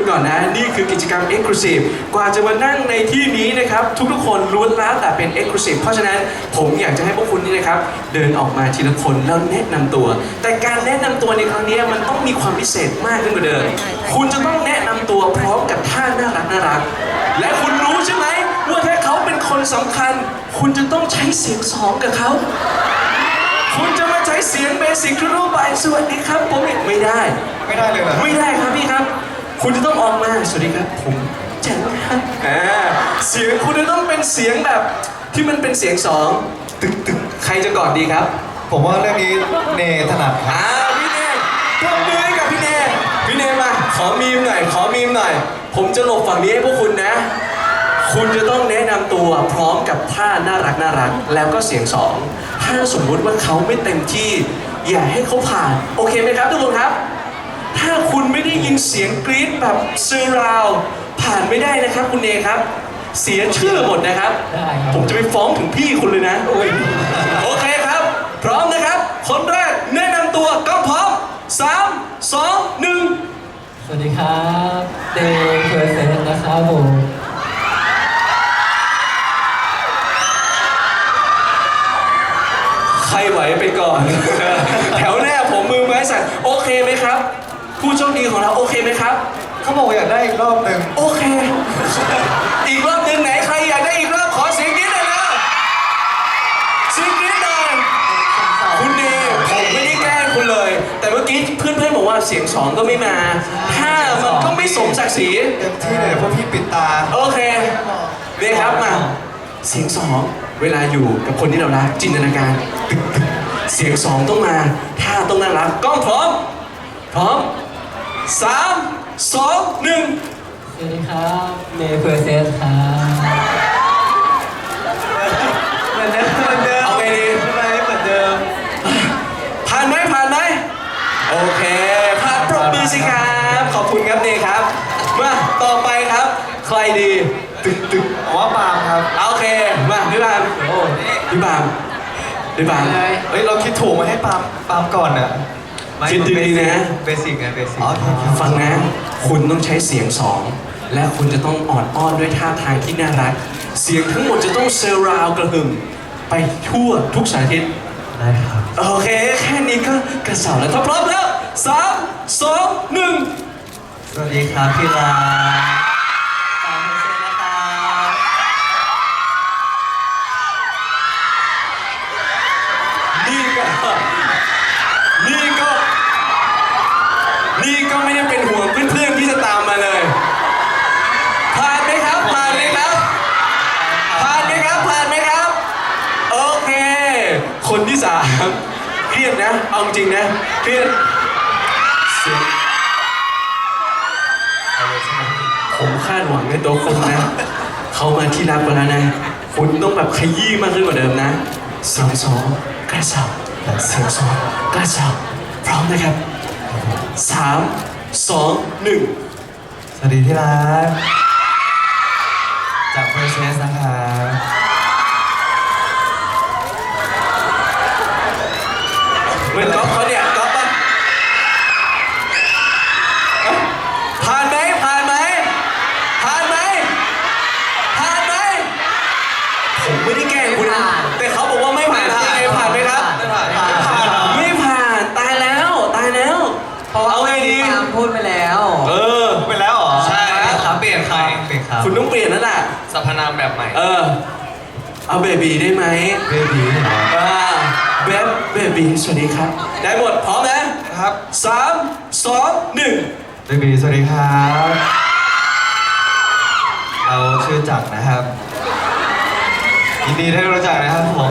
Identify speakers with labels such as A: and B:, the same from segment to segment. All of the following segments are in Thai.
A: ก่อนนะนี่คือกิจกรรม Exclusive กว่าจะมานั่งในที่นี้นะครับทุกคนล้วนแล้วแต่เป็น Exclusive เพราะฉะนั้นผมอยากจะให้พวกคุณนี่นะครับเดินออกมาทีละคนแล้วแนะนำตัว แต่การแนะนำตัวในครั้งนี้มันต้องมีความพิเศษมากขึ้นกว่าเดิมคุณจะต้องแนะนำตัวพร้อมกับท่าน่ารักและคุณรู้ใช่ไหมว่าถ้าเขาเป็นคนสำคัญคุณจะต้องใช้เสียงสองกับเขาคุณจะมาใช้เสียงเบสิกทั่วไปสวัสดีครับผมไม่ได้
B: เลยเหรอ
A: ไม่ได้ครับพี่ครับคุณจะต้องออกมาสวัสดีครับผมแจ๋วครับเสียงคุณจะต้องเป็นเสียงแบบที่มันเป็นเสียงสองตึกใครจะก่อนดีครับ
B: ผมว่าเรื่องนี้เนถนัดครับ
A: พี่เนปรบมือให้กับพี่เนมาขอมีมหน่อยผมจะหลบฝั่งนี้ให้พวกคุณนะคุณจะต้องแนะนำตัวพร้อมกับท่าน่ารักแล้วก็เสียงสองถ้าสมมุติว่าเขาไม่เต็มที่อย่าให้เขาผ่านโอเคไหมครับทุกคนครับถ้าคุณไม่ได้ยินเสียงกรี๊ดแบบเซอร์ราวผ่านไม่ได้นะครับคุณเนครับเสียชื่อหมดนะครับผมจะไปฟ้องถึงพี่คุณเลยนะโอเคครับพร้อมนะครับคนแรกแนะนำตัวก็พร้อม3 2 1
C: สวัสดีครับเดย์เพอร์เซนต์นะครับผม
A: ใครไหวไปก่อน แถวหน้าผมมือไม้สั่นโอเคไหมครับผู้โชคดีของเราโอเคไหมครับ
B: เขาบอกอยากได้อีกรอบหนึ่ง
A: โอเคอีกรอบหนึ่งไหนใครอยากได้อีกรอบขอเสียงกรี๊ดหน่อยนะเสียงกรี๊ดหน่อยคุณเนผมไม่ได้แกล้งคุณเลยแต่เมื่อกี้เพื่อนบอกว่าเสียงสองก็ไม่มาถ้ามันก็ไม่สมศักดิ์ศรี
B: เต็มที่เลยเพราะพี่ปิดตา
A: โอเคเนี่ยครับมาเสียงสองเวลาอยู่กับคนที่เรารักจินตนาการเสียงสองต้องมาท่าต้องน่ารักกล้องพร้อม3 2 1
C: สวัสดีครับเดย์เพอร์เซนต์ครับ
B: เหมือนเดิม
A: เอาไงดี
B: เหมือนเดิม
A: ผ่านไหมโอเคผ่านปรบมือสิครับขอบคุณครับเนครับมาต่อไปครับใครดี
B: ผมว่าปาล์มครับ
A: โอเคมาพี่ปาล์มพี่ปาล์ม
B: เฮ้ยเราคิดถูกมาให้ปาล์มก่อนนะ
A: คิดดีๆนะ
B: เบสิก
A: ฟังนะคุณต้องใช้เสียงสองและคุณจะต้องอ่อนอ้อนด้วยท่าทางที่น่ารักเสียงทั้งหมดจะต้องเซอร์ราวกระหึ่มไปทั่วทุกสารทิศ
C: ได้ครับ
A: โอเคแค่นี้ก็กระเสาแล้วถ้าพร้อมแล้ว3 2 1
C: สวัสดีครับพี่ลาตามเพอร์เซนต์นะครับ
A: นี่ก็ไม่ได้เป็นห่วงเพื่อนๆที่จะตามมาเลยผ่านไหมครับโอเคคนที่3เครียดนะเอาจริงนะเครียดผมคาดหวังในตัวคุณนะเขามาที่รักไปแล้วนะคุณต้องแบบขยี้มากขึ้นกว่าเดิมนะเสียงสองกระเสาเสียงสองกระเสาพร้อมนะครับ3 2 1
B: สวัสดีที่รักจากเพอร์เซนต์นะครับ
A: เหมือนก๊อฟเขาเนี่ยก๊อฟป่ะผ่านไหมผมไม่ได้แกล้งคุณนะแต่เขาบอกว่าไม่ผ่านผ่านไหมครับไม่ผ่านตายแล้วเอาไงดี
C: พูดไปแล้ว
B: พูดไปแล้วเหรอ
C: ใช่ครับเปลี่ยนครับ
A: คุณต้องเปลี่ยนนั่นแหละ
C: สรรพนามแบบใหม่
A: เอาเบบีได้ไหม
B: เบบี
A: เบบีสวัสดีครับได้หมดพร้อมนะครับ3 2 1
B: เบบีสวัสดีครับเราชื่อจักรนะครับยินดีได้รู้จักนะครับผม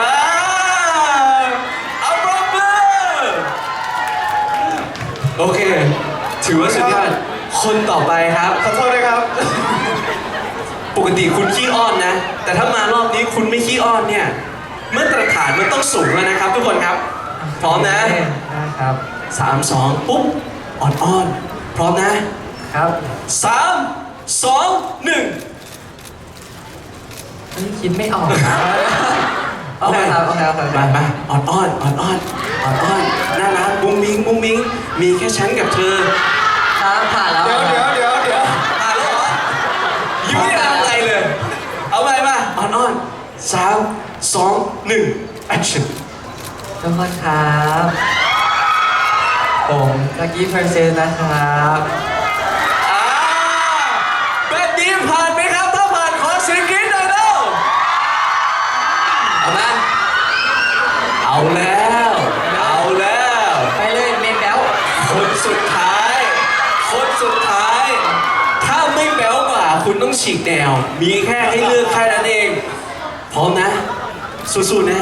A: เอาปรบมือโอเคถือว่าสุดยอดคนต่อไปครับ
B: ขอโทษด้วยครับ
A: ปกติคุณขี้อ้อนนะแต่ถ้ามารอบนี้คุณไม่ขี้อ้อนเนี่ยมาตรฐานมันต้องสูงแล้วนะครับทุกคนครับพร้อมนะครับ3 2ปุ๊บอ่อนพร้อมนะครับ3 2 1
C: คิดไม่ออกนะโอเค
A: มาอ่อนน่ารักมุ้งมิ้งมีแค่ฉันกับเธอ
C: ครับผ่านแล้ว
B: เดี๋ยว
A: 1 action
C: ทุกคนครับ ผมลักกี้เพอร์เซนนะครับ
A: อ่าแบบนี้ผ่านไหมครับ ถ้าผ่านขอเสียงกรี๊ดหน่อยเร็วเอานะเอาแล้วเอาแล้ว
C: ไปเลยเมนแล้ว
A: คนสุดท้าย คนสุดท้าย ถ้าไม่แบ๊วกว่าคุณต้องฉีกแนว มีแค่ให้เลือกแค่นั้นเอง พร้อมนะ สู้ๆนะ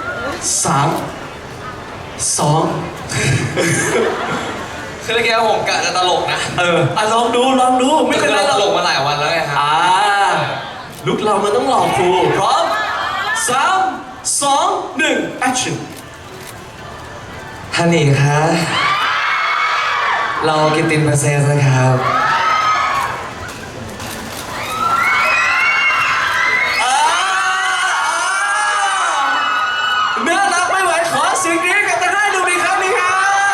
A: 3 2
B: คือเมื่อกี้ผมกะจะตลกนะ
A: ลองดูไม่เป็นไร
B: ต
A: หร
B: ล
A: อก
B: กมาหลายวันแล้วไงครับ
A: ลุกเรามันต้องหลอกครูพร้อม3 2 1 action
C: ฮันนี่ครับ เรากินตินเพอร์เซนนะครับ
A: น่ารักไม่ไหวขอเสียงกรี๊ดกับตาหน้าดูอีกครั้งหนึงครับ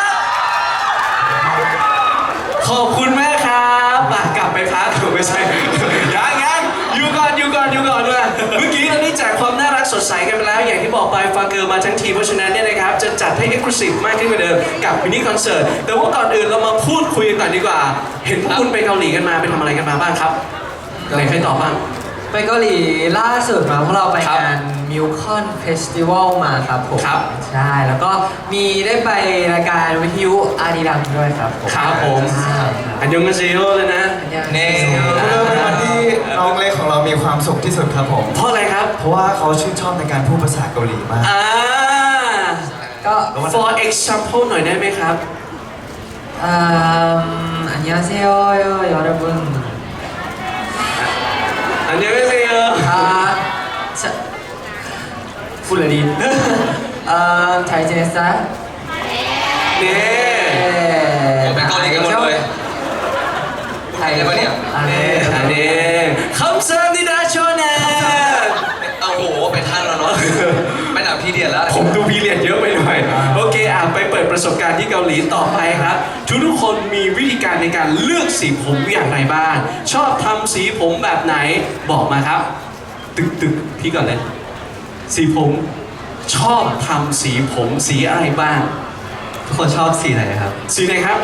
A: ขอบคุณแม่ครับกลับไปพักไม่ใช่ยังอยู่ก่อนด้วยเมื่อกี้เราได้แจกความน่ารักสดใสกันไปแล้ว อย่างที่บอกไปฟังเกิร์มาทั้งทีเพราะฉะนั้นเนี่ยนะครับจะจัดให้ exclusive มากขึ้นกว่าเดิมกับมินิคอนเสิร์ตแต่ว่าก่อนอื่นเรามาพูดคุยกันก่อนดีกว่า เห็นพวกคุณไปเกาหลีกันมาไปทำอะไรกันมาบ้างครับไหนใครตอบบ้าง
C: ไปเกาหลีล่าสุดมาพวกเราไป
A: ครับ
C: งานมิวคอนเฟสติวัลมาครับผม
A: ครับ
C: ใช่แล้วก็มีได้ไปรายการวิทยุอารีดังด้วยครับผม
A: ครับผม
C: ใช่ครับ
A: อันยองกาเซโยเลยนะ
C: เน่
B: เป็นวันที่น้องเล็กของเรามีความสุขที่สุดครับผม
A: เพราะอะไรครับ
B: เพราะว่าเขาชื่นชอบในการพูดภาษาเกาหลีมาก
C: ก็
A: for example หน่อยได้ไหมครับ
C: อันยองเซโยยอรบุน
A: อันยองกาเซโย
C: 풀레린 잘 지냈어?
A: นี่
B: ไปเกาหลีกันหมดเลย ไทยเลยปะเนี่ย
C: 아, 네.
A: อันนี้คำสั่งนิดาโชนะ
B: เอาโหไปท่านแล้วเนาะไม่หนักพี่เดียนแล้ว
A: ผมดูพีเรียดเยอะไปหน่อย โอเคไปเปิดประสบการณ์ที่เกาหลีต่อไปครับ ทุกคนมีวิธีการในการเลือกสีผมอย่างไรบ้าง ชอบทำสีผมแบบไหนบอกมาครับ ตึกพี่ก่อนเลย สีผมชอบทำสีผมสีอะไรบ้าง
C: ทุกคนชอบสีไหนครับ
A: สีไหนครับ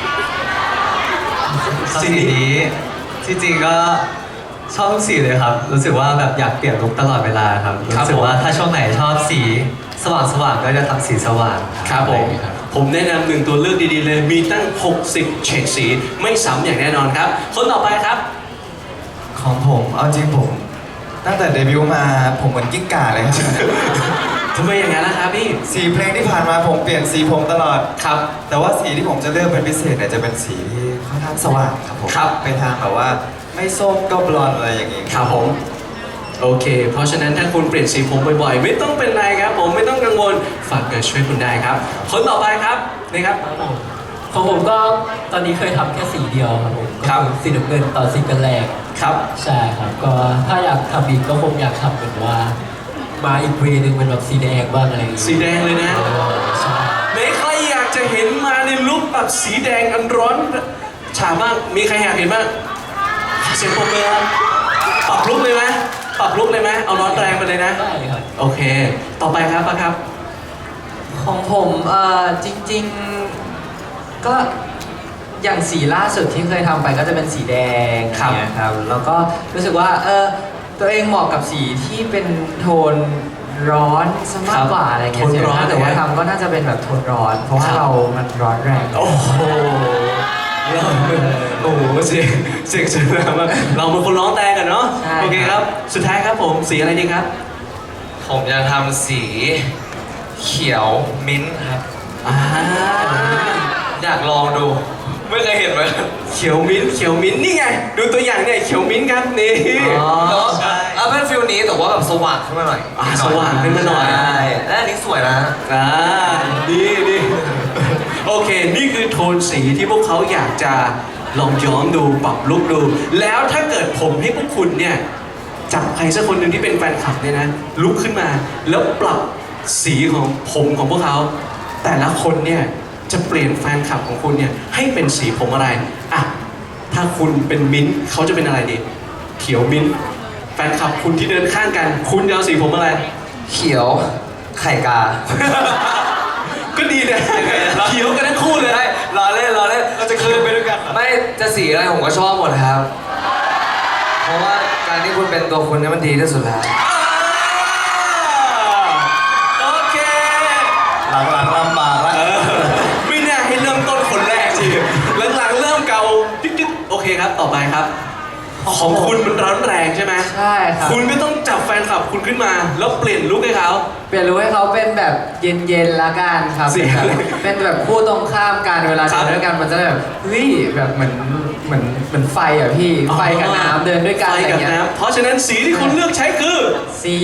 C: สีนี้ที่จริงก็ชอบทุกสีเลยครับ รู้สึกว่าแบบอยากเปลี่ยนลุคตลอดเวลาครับ
A: ครับ
C: รู้สึกว่าถ้าช่วงไหนชอบสีสว่างๆก็จะทำสีสว่าง
A: ครับผม
C: ครับ
A: ผมแนะนำหนึ่งตัวเลือกดีๆเลย มีตั้ง 60 เฉดสี ไม่ซ้ำอย่างแน่นอนครับ คนต่อไปครับ
B: ของผมเอาจริงผม ตั้งแต่เดบิวต์มาผมเหมือนกิ้งก่าเลยครับ
A: ทำไมอย่างนั้นล่ะครับพี่
B: สีเพลงที่ผ่านมาผมเปลี่ยนสีผมตลอด
A: ครับ
B: แต่ว่าสีที่ผมจะเลือกเป็นพิเศษเนี่ยจะเป็นสีที่ค่อนข้างสว่างครับผม
A: ครับ
B: ไปทางแบบว่าไม่ส้มก็บลอนด์อะไรอย่างงี้
A: ครับผม โอเค เพราะฉะนั้นถ้าคุณเปลี่ยนสีผมบ่อยๆ ไม่ต้องเป็นไรครับ ผมไม่ต้องกังวล ฝากเกิดช่วยคุณได้ครับ คนต่อไปครับนี่ครับ
D: ของผมก็ตอนนี้เคยทำแค่สีเดียวครับผม
A: ครับ
D: ก็อสีน้ำเงินตอนซิงเกิลแรก
A: ครับ
D: ใช่ครับก็ถ้าอยากทำอีกก็คงอยากทำเป็นว่า มาอีกเวย์หนึ่งเป็นแบบสีแดงบ้างอะไรอย่างเงี้ย
A: สีแดงเลยนะ
D: ใช่
A: ไหนใครอยากจะเห็นมาในลุคแบบสีแดงอันร้อนฉ่ามาก มีใครอยากเห็นบ้างขอเสียงปรบมือครับปรับลุคเลยไหมปรับลุคเลยไหมเอาร้อนแรงไปเลยนะ
D: ได้ครับ
A: โอเค ต่อไปครับป้าครับ
C: ของผมจริงๆก็อย่างสีล่าสุดที่เคยทำไปก็จะเป็นสีแดง
A: ครับ
C: อย่างเงี้ยครับแล้วก็รู้สึกว่าตัวเองเหมาะกับสีที่เป็นโทนร้อนซะมากกว่าอะไรเงี้ย
A: โทนร้อน
C: ถ้าเกิดว่าทำก็น่าจะเป็นแบบโทนร้อน เพราะว่าเรามันร้อนแรง
A: โอ้โหโอ้โหเสียงสวยงามมากเราเป็นคนร้องแต่กันเนาะ โอเคครับ สุดท้ายครับผม สีอะไรดีครับ
B: ผมจะทำสีเขียวมิ้นท์ครับ
A: อ่า
B: อยากลองดู ไม่เคยเห็นไหม
A: เขียวมิ้นท์นี่ไง ดูตัวอย่างเนี่ยเขียวมิ้นท์ครับนี่
B: ใช่แล้วเป็นฟิลนี้แต่ว่าแบบสว่างขึ้นมาหน่อย
A: สว่างขึ้นมาหน่อย
B: ใช่และอันนี้สวยนะ
A: ดีโอเค นี่คือโทนสีที่พวกเขาอยากจะลองย้อมดูปรับลุคดู แล้วถ้าเกิดผมให้พวกคุณเนี่ยจับใครสักคนหนึ่งที่เป็นแฟนคลับเนี่ยนะลุกขึ้นมา แล้วปรับสีของผมของพวกเขาแต่ละคนเนี่ยจะเปลี่ยนแฟนคลับของคุณเนี่ยให้เป็นสีผมอะไรอ่ะถ้าคุณเป็นมิ้นท์เขาจะเป็นอะไรดี เขียวมิ้นท์แฟนคลับคุณที่เดินข้างกัน คุณจะเอาสีผมอะไร
C: เขียวไข่กา
A: ก็ดีนะเขียวกันทั้งคู่เลย
C: รอเล่น
B: เราจะคืนไปด้วยกันเหรอ
C: ไม่จะสีอะไรผมก็ชอบหมดครับ เพราะว่าการที่คุณเป็นตัวคุณเนี่ยมันดีที่สุดแล้ว
A: โอเค
B: หลังๆลำบากแล้ว
A: ไม่น่าให้เริ่มต้นคนแรกสิหลังๆเริ่มเกาจิ๊กๆโอเคครับต่อไปครับ ของคุณมันร้อนแรงใช่ไหม
C: ใช่ครับ
A: คุณก็ต้องจับแฟนคลับคุณขึ้นมา แล้วเปลี่ยนลุคให้เขา
C: เปลี่ยนรู้ให้เขาเป็นแบบเย็นๆละกันครับ
A: สีอะไร
C: เป็นแบบคู่ตรงข้ามกันเวลา
A: ครั
C: เดิ
A: บ
C: นด้วยกันมันจะได้แบบเฮ้ยแบบเหมือนไฟอ่ะพี่ ไฟกับน้ำเดินด้วยกัน
A: ไฟ
C: อะไร
A: กับ
C: เงี้ย
A: น้ำเพราะฉะนั้นสีที่คุณเลือกใช้คือ
C: สี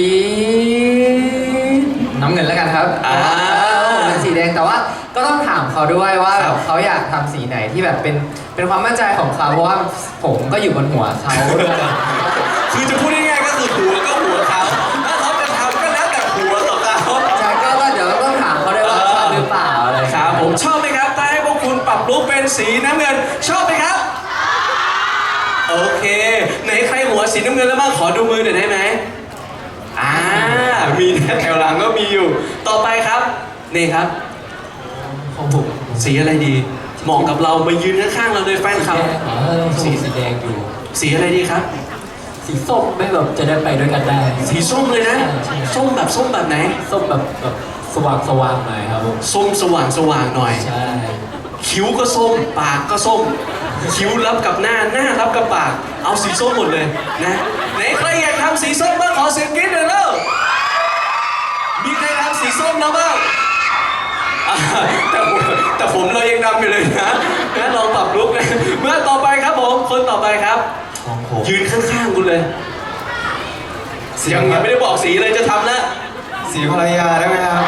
C: น้ำเงินแล้วกันครับ
A: อ่า
C: ผมเป็นสีแดงแต่ว่าก็ต้องถามเขาด้วยว่า
A: ครับ
C: เขาอยากทำสีไหนที่แบบเป็นความมั่นใจของเขาเพราะว่าผมก็อยู่บนหัวเขาด้วย
A: คือจะพูดง่ายๆก็คือหัวก็หัวเขาถ้าเขาจะทำก็แล้วแต่หัวของเขา
C: ใช่ก็เดี๋ยวต้องถามเขาด้วยว่าชอบหรือเปล่าอะไร
A: ครับผมชอบไหมครับถ้าให้พวกคุณปรับลุคเป็นสีน้ำเงินชอบไหมครับ โอเค ไหนใครหัวสีน้ำเงินแล้วบ้างขอดูมือหน่อยได้ไหมมีนะแถวหลังก็มีอยู่ ต่อไปครับนี่ครับ
D: ของผม
A: สีอะไรดีเหมาะกับเรามายืนข้างๆเราเลยแฟนคลับ
D: สีแดงอยู่
A: สีอะไรดีครับ
D: สีส้มไม่แบบจะได้ไปด้วยกันได้
A: สีส้มเลยนะ ส้มแบบไหน
D: ส้มแบบสว่างหน่อยครับผม
A: ส้มสว่างหน่อย
D: ใช่
A: คิ้วก็ส้ม ปากก็ส้ม คิ้วรับกับหน้ารับกับปาก เอาสีส้มหมดเลยนะไหนใครอยากทำสีส้มบ้างขอเสียงกรี๊ดหน่อยเร็วมีใครทำสีส้มแล้วบ้างอ่าแต่ผมเรายังดำอยู่เลยนะลองปรับลุกนะเมื่อต่อไปครับผมคนต่อไปครับ
B: ของผม
A: ยืนข้างๆคุณเลยยังไม่ได้บอกสีเลยจะทำแล้ว
B: สีภรรยาได้ไหมครับ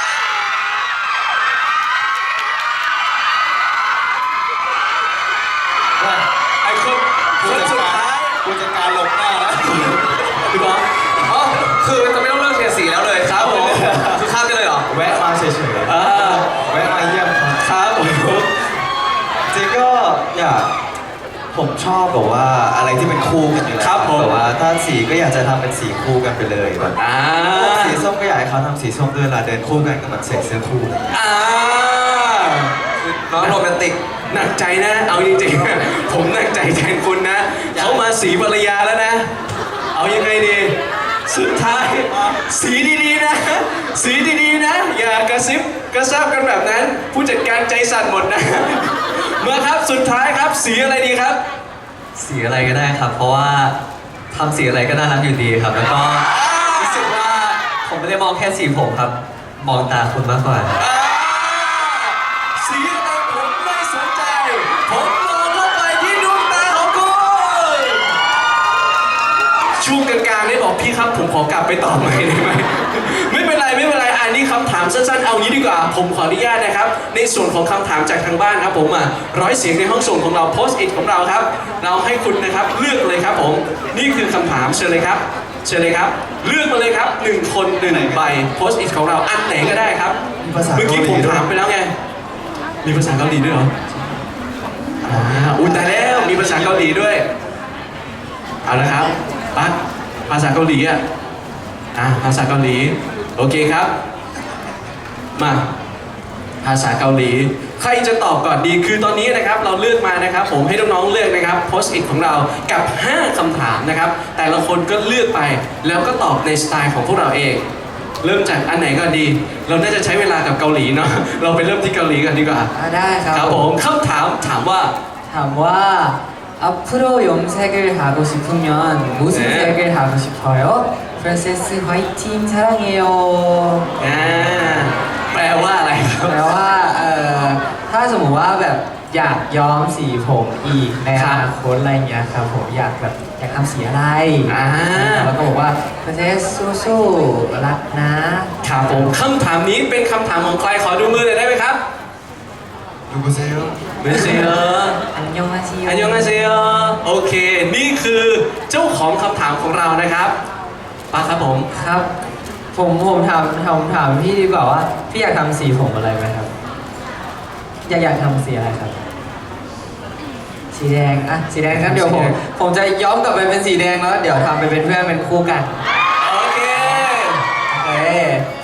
A: ไอ้คนสุดท้าย
B: ผู้จัดการหลบหน้าแล้ว
A: พี่บอส
C: อ๋อคือจะไม่ต้องเลือกเฉดสีแล้วเลย
A: ครับผม
C: คือข้ามได้เลยเหรอ
B: แวะมาเฉย
A: อ่า
B: ๆแวะมาเยี่ยมครับ
A: ครับผม
B: จริงก็อยากผมชอบแบบว่าอะไรที่เป็นคู่กันอยู่แล้ว
A: ครับผม
B: แบบว่าถ้าสีก็อยากจะทำเป็นสีคู่กันไปเลยแบบ
A: อ่า
B: สีส้มก็อยากให้เขาทำสีส้มด้วยเวลาเดินคู่กันก็แบบใส่เสื้อคู่อะไรอย่างเงี้ย
A: อ่า
C: น้องโรแมนติก
A: หนักใจนะ เอาจริงๆ ผมหนักใจแทนคุณนะ เขามาสีภรรยาแล้วนะ เอายังไงดี สุดท้าย สีดีๆนะ สีดีๆนะ อย่ากระซิบกระซาบกันแบบนั้น ผู้จัดการใจสั่นหมดนะ มาครับสุดท้ายครับสีอะไรดีครับ
E: สีอะไรก็ได้ครับ เพราะว่าทำสีอะไรก็น่ารักอยู่ดีครับ แล้วก็รู้สึกว่าผมไม่ได้มองแค่สีผมครับ มองตาคุณมากกว่า
A: อ่าสีอะไรผมไม่สนใจ ผมมองเข้าไปที่ดวงตาของคุณช่วงกลางๆได้บอกพี่ครับผมขอกลับไปตอบใหม่ได้ไหม ไม่เป็นไรอันนี้คำถามสั้นๆเอางี้ดีกว่า ผมขออนุญาตนะครับ ในส่วนของคำถามจากทางบ้านครับผม100 เสียงในห้องส่งของเราโพสต์อิทของเราครับ เราให้คุณนะครับเลือกเลยครับผมนี่คือคำถามเชิญเลยครับเชิญเลยครับ เลือกมาเลยครับ1 คน1 ใบโพสต์อิทของเราอันไหนก็ได้ครับ
B: มีภาษา
A: เมื่อกี้
B: เกาหลี
A: ผม
B: ด้วย
A: ถามไปแล้วไง มีภาษาเกาหลีด้วยเหรออุ้ยตายแล้ว มีภาษาเกาหลีด้วย เอาละครับปั๊กภาษาเกาหลีภาษาเกาหลี โอเคครับ มา ภาษาเกาหลี ใครจะตอบก่อนดี คือตอนนี้นะครับเราเลือกมานะครับ ผมให้น้องๆเลือกนะครับโพสต์อิทของเรากับ 5 คำถามนะครับ แต่ละคนก็เลือกไป แล้วก็ตอบในสไตล์ของพวกเราเอง เริ่มจากอันไหนก่อนดี เราน่าจะใช้เวลากับเกาหลีเนาะ เราไปเริ่มที่เกาหลีกันดีกว่า
C: ได้ครับ
A: ครับผมคำถามว่า
C: ถามว่า 앞으로 염색을 하고 싶으면 무슨
A: 네.
C: 색을 하고 싶어요? 프린세스 화이팅 사랑해요.
A: แปลว่าอะไรครับ
C: แปลว่าถ้าสมมติว่าแบบอยากย้อมสีผมอีกในอนาคตอะไรเงี้ยครับผมอยากทำสีอะไร แล้วก็บอกว่าประเทศสู้ๆรักนะครับ
A: ผมคำถามนี้เป็นคำถามของใครขอดูมือหน่อยได้ไหมครับ
B: ดูกุเซล
A: ไม่ใช่เหรอ
C: อันยองอาเซีย
A: อันยองอาเซียโอเค นี่คือเจ้าของคำถามของเรานะครับป้าครับผม
C: ครับผมถามพี่ดีกว่าว่าพี่อยากทำสีผมอะไรไหมครับ อยากทำสีอะไรครับ สีแดงสีแดงงั้นเดี๋ยวผมจะย้อมกลับไปเป็นสีแดงแล้วเดี๋ยวทำไปเป็นเพื่อนเป็นคู่กัน
A: โอเค
C: โอเค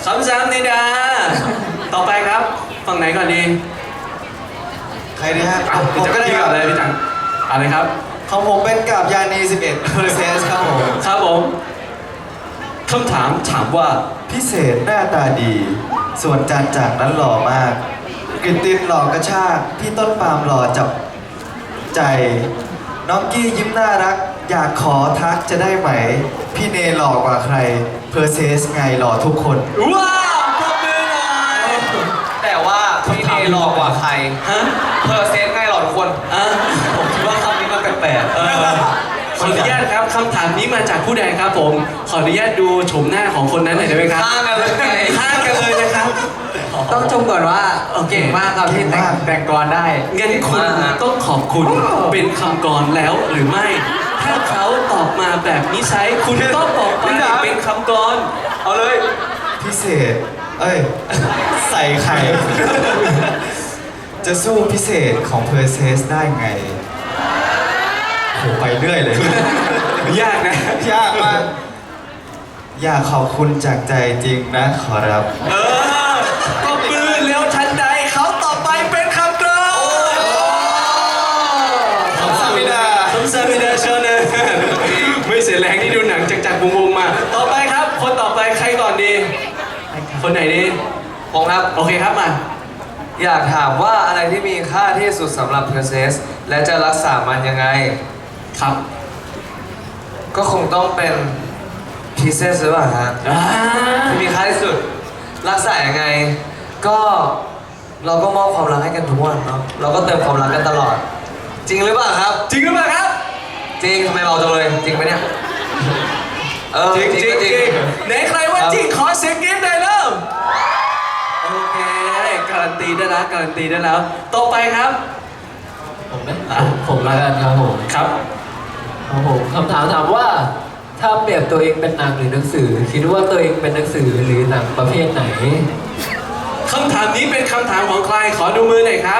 A: คำซ้ำนิดาต่อไปครับฝั่งไหนก่อนดี
B: ใครดีฮะ
A: อ่ะ
B: ผมก็ได้
A: พี่
B: ค
A: กั
B: รั
A: บบ อะไรพี่จังอะไรครับ
B: ของผมเป็นกับยานี11 Process ครับผม
A: ครับผมคำถามถามว่า
B: พิเศษหน้าตาดี ส่วนจานจากนั้นหล่อมากกริตตินหล่อกระชากพี่ต้นปาล์มหล่อจับใจ น้องกี้ยิ้มน่ารัก อยากขอทักจะได้ไหม พี่เนหล่อกว่าใคร เพอร์เซสไงหล่อทุกคน
A: ว้าวปรบมือหน่อย
F: แต่ว่าพี่เนหลอกกว่าใคร
A: ฮะ
F: เพอร์เซนต์ไงหลอกทุกคน
A: อ่ะ
E: ผมคิดว่าคำนี้มันแปลก
A: ขออนุญาตครับคำถามนี้มาจากผู้ใดครับผม ขออนุญาตดูโฉมหน้าของคนนั้นหน่อยได้ไหมครับ
F: ข้างกันเลยไง
A: ข้างกันเลยนะครับ
C: ต้องชมก่อนว่า
A: โอเค
C: เก่งมากครับที่
B: เก่งมาก
C: แต่งกรได้
A: งั้นคุณต้องขอบคุณเป็นคำกรแล้วหรือไม่ ถ้าเขาตอบมาแบบนิสัยคุณต้องบอกไปเป็นคำกรเอาเลย
B: พิเศษ เอ้ย ใส่ไข่ จะสู้พิเศษของเพอร์เซสได้ไงโหไปเรื่อยเลย
A: ยากนะ
B: ยากมาก อยากขอบคุณจากใจจริงนะขอรับ
A: เออก็ปืนแล้วทันใดเขาต่อไปเป็นคำกรอน
B: คำสามิดา
A: คำสามิดาเชิญเลยไม่เสียแรงที่ดูหนังจากวงๆมา ต่อไปครับ คนต่อไปใครก่อนดี คนไหนดี
F: ผมครับ
A: โอเคครับมา
F: อยากถามว่าอะไรที่มีค่าที่สุดสำหรับเพอร์เซสและจะรักษามันยังไง
A: ครับ
F: ก็คงต้องเป็นพีเซสหรือเปล่าฮะ
A: อ่า
F: ที่มีค่าที่สุด รักษายังไง ก็เราก็มอบความรักให้กันทุกวันเนาะเราก็เติมความรักกันตลอด จริงหรือเปล่าครับ
A: จริงหรือเปล่าครับ
F: จริงทำไมเบาจังเลย จริงไหมเนี่ย
A: จริง
F: จริง
A: จริง
F: ก็
A: จริงไหนใครว่าจริงขอเสียงกรี๊ดหน่อยเริ่มโอเคการันตีได้แล้วการันตีได้แล้ว ต่อไปครับ
D: ผมนะผมละกันครับผม
A: ครับ
D: ครับผมคำถามถามว่าถ้าเปรียบตัวเองเป็นหนังหรือหนังสือ คิดว่าตัวเองเป็นหนังสือหรือหนังประเภทไหน
A: คำถามนี้เป็นคำถามของใครขอดูมือหน่อยครับ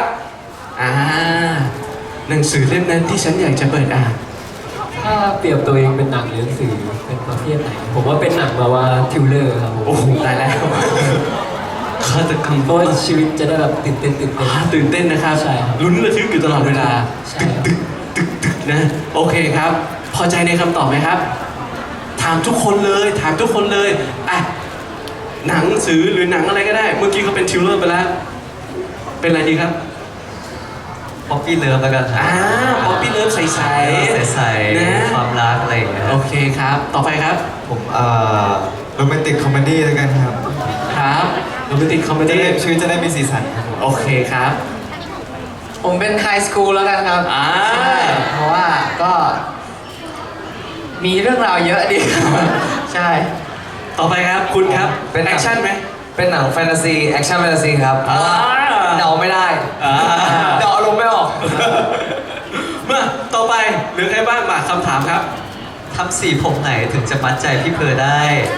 A: หนังสือเล่มนั้นที่ฉันอยากจะเปิดอ่าน
D: ถ้าเปรียบตัวเองเป็นหนังหรือหนังสือเป็นประเภทไหน ผมว่าเป็นหนังแบบว่าทิวเลอร์ครับผม
A: โอ้โหตายแล้วฆาตกรรม
D: เพราะว่าชีวิตจะได้แบบตื่นเต้น
A: ตื่นเต้นนะครับ
D: ใช่ครับ
A: ลุ้นระทึกอยู่ตลอดเวลา
D: ใช่
A: ตึกตึกตึกตึกนะโอเคครับ พอใจในคำตอบไหมครับ ถามทุกคนเลยถามทุกคนเลยอ่ะหนังสือหรือหนังอะไรก็ได้ เมื่อกี้เขาเป็นทิวเลอร์ไปแล้ว เป็นอะไรดีครับ
E: ๆป๊อปปี้เลิฟแล้วกันครับ
A: ป๊อปปี้เลิฟใสๆ
E: ใส
A: นะ
E: ๆความรักอะไรอย่างเงี้ย
A: โอเคครับ ต่อไปครับ
B: ผมโรแมนติกคอมเมดี้แล้วกันครับ
A: ครับโรแมนติกคอมเม
B: จะ
A: ดี้
B: ได้ชีวิตจะได้มีสีสันครับผม
A: โอเคครับ
C: ผมเป็นไฮสคูลแล้วกันครับ
A: อ่า
C: ใช่เพราะว่าก็ มีเรื่องราวเยอะดี ใช่
A: ต่อไปครับคุณครับ
F: เป็นหนั
A: แอง คชั่นไหม
F: เป็นหนังแฟนตาซีแอคชั่นแฟนตาซีครับเพราะว่า
A: อ่า
F: เดาไม่ได้
A: อ่า
F: เดาอารมณ์ไม่ออก
A: มาต่อไปเหรือใครบ้างมาคำถามครับ
E: ทำสีผมไหนถึงจะมัดใจพี่เพอได้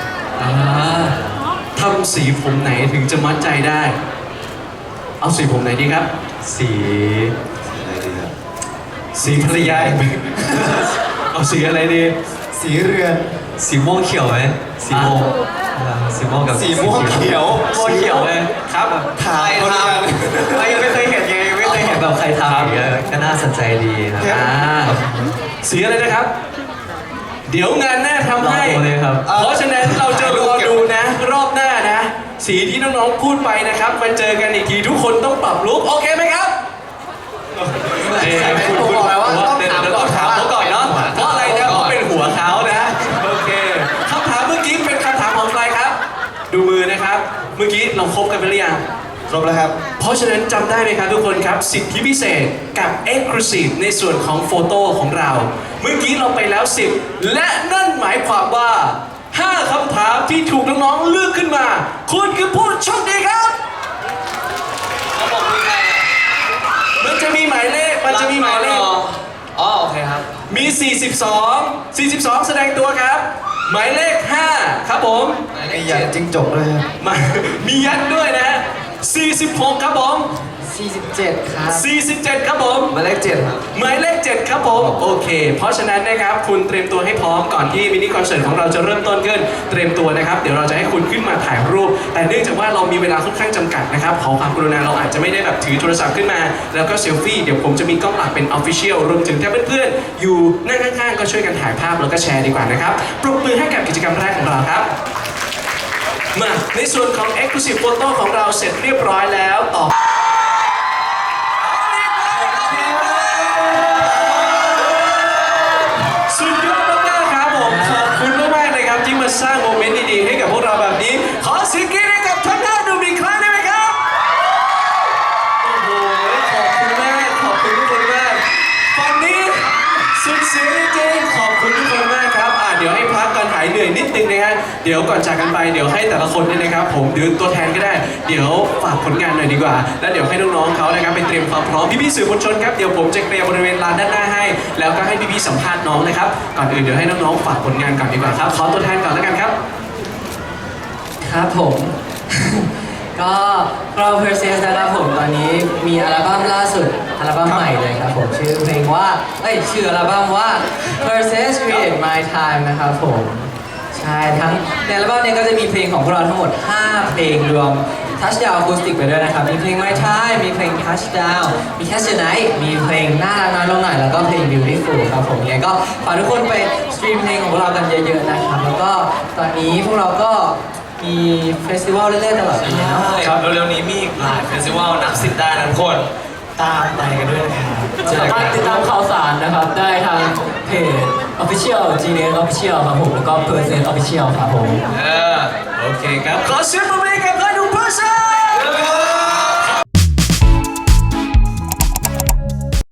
A: ทำสีผมไหนถึงจะมัดใจได้ เอาสีผมไหนดีครับ
E: สี
B: อะไรดีครับ
A: สีภรรยา เอาสีอะไรดี
B: สีเรือน
E: สีม่วงเขียวไหมสีม่วงสีม่วงกับ
B: สีม่วงเขียว
A: ม่วงเขียวเลยครับ
B: ถ่ายคนละอย่าง
E: ไม่เคยเห็นไงไม่เคยเห็นแบบใครทำอย่างเงี้ยก็น่าสนใจดีครับ
B: ครับ
A: สีอะไรนะครับ เดี๋ยวงานหน้าทำ
E: ลอง
A: ให้
E: ดูเลยครับ
A: เพราะฉะนั้นเราจะรอดูนะ รอบหน้านะ สีที่น้องๆพูดไปนะครับมาเจอกันอีกทีทุกคนต้องปรับลุคโอเคไหมครับ
C: ผมบอกแล้วว่าต้องถามก่อน
A: ต้องถามเขาก่อนเนาะเพราะอะไรนะเพราะเป็นหัวเขานะโอเคคำถามเมื่อกี้เป็นคำถามของใครครับ ดูมือนะครับ เมื่อกี้เราครบกันไปหรือยัง
B: ครบแล้วครับ
A: เพราะฉะนั้นจำได้ไหมครับทุกคนครับ สิทธิพิเศษกับ Exclusive ในส่วนของโฟโต้ของเรา เมื่อกี้เราไปแล้ว 10 และนั่นหมายความว่า 5 คำถามที่ถูกน้องๆเลือกขึ้นมา คุณคือผู้โชคดีครับ
F: แล้วผมคือใครอ่ะ
A: มันจะมีหมายเลขมันจะมีหมายเลข
F: อ๋อโอเคครับ
A: มี 42 แสดงตัวครับ หมายเลข 5 ครับผม
B: มียันจิ้งจกด้วยครับ
A: มามียัดด้วยนะฮะ46 ครับผม
C: 47 ครับ
A: 47 ครับผม
F: หมายเลข7ครับ
A: หมายเลข 7 ครับผม โอเค เพราะฉะนั้นนะครับคุณเตรียมตัวให้พร้อมก่อนที่มินิคอนเสิร์ตของเราจะเริ่มต้นขึ้น เตรียมตัวนะครับ เดี๋ยวเราจะให้คุณขึ้นมาถ่ายรูป แต่เนื่องจากว่าเรามีเวลาค่อนข้างจำกัดนะครับขอความกรุณาเราอาจจะไม่ได้แบบถือโทรศัพท์ขึ้นมา แล้วก็เซลฟี่เดี๋ยวผมจะมีกล้องหลักเป็น Official รวมถึงถ้าเพื่อนๆอยู่นั่งข้างๆก็ช่วยกันถ่ายภาพแล้วก็แชร์ดีกว่านะครับปรบมือให้กับกิจกรรมแรกของเราครับ มาในส่วนของ Exclusive Photo ของเราเสร็จเรียบร้อยแล้วต่อสุดยอดมากๆครับผมขอบคุณมากๆเลยครับที่มาสร้างโมเมนต์ดีๆให้กับพวกเราแบบนี้ ขอเสียงกรี๊ดให้กับทั้ง5หนุ่มอีกครั้งได้ไหมครับโอ้โหขอบคุณมากขอบคุณทุกคนมากฝั่งนี้สุดเสียงจริงๆขอบคุณทุกคนมากครับเดี๋ยวให้พักก่อนหายเหนื่อยนิดนึงนะฮะเดี๋ยวก่อนจากกันไปเดี๋ยวให้แต่ละคนเนี่ยนะครับผมหรือตัวแทนก็ได้เดี๋ยวฝากผลงานหน่อยดีกว่าแล้วเดี๋ยวให้น้องๆเขานะครับไปเตรียมความพร้อมพี่ๆสื่อมวลชนครับเดี๋ยวผมจะเคลียร์บริเวณลานด้านหน้าให้แล้วก็ให้พี่ๆสัมภาษณ์น้องนะครับก่อนอื่นเดี๋ยวให้น้องๆฝากผลงานก่อนดีกว่าครับขอตัวแทนก่อนแล้วกันครับ
C: ครับผม ก็เรา Perseus นะครับผมตอนนี้มีอัลบั้มล่าสุดอัลบั้มใหม่เลยครับผมชื่อเพลงว่าชื่ออัลบั้มว่า Perseus Create My Time นะครับผมใช่ทั้งในอัลบั้มนี้ก็จะมีเพลงของพวกเราทั้งหมด 5 เพลงรวม Touchdown Acoustic ไปด้วยนะครับมีเพลง My Time มีเพลง Touchdown มี Catch the Night มีเพลงน่ารักน้อยลงหน่อยแล้วก็เพลง Beautiful ครับผมยังไงก็ฝากทุกคนไปสตรีมเพลงของพวกเรากันเยอะๆนะครับแล้วก็ตอนนี้พวกเราก็มีเฟสติวัลเรื่อยๆตลอดปีเนาะ
F: ครับเร็วๆนี้มีอีกหลายเฟสติวัลนับ10ได้นะทุกคนตามไปกันด้วยนะครับ
D: สามารถติดตามข่าวสารนะครับได้ทางเพจ Official GNS Official ครับผมแล้วก็ Percent Official ครับผม
F: เออ
A: โอเคครับขอเสียงปรบมือให้กับเพื่อนหนุ่มเพอร์เซน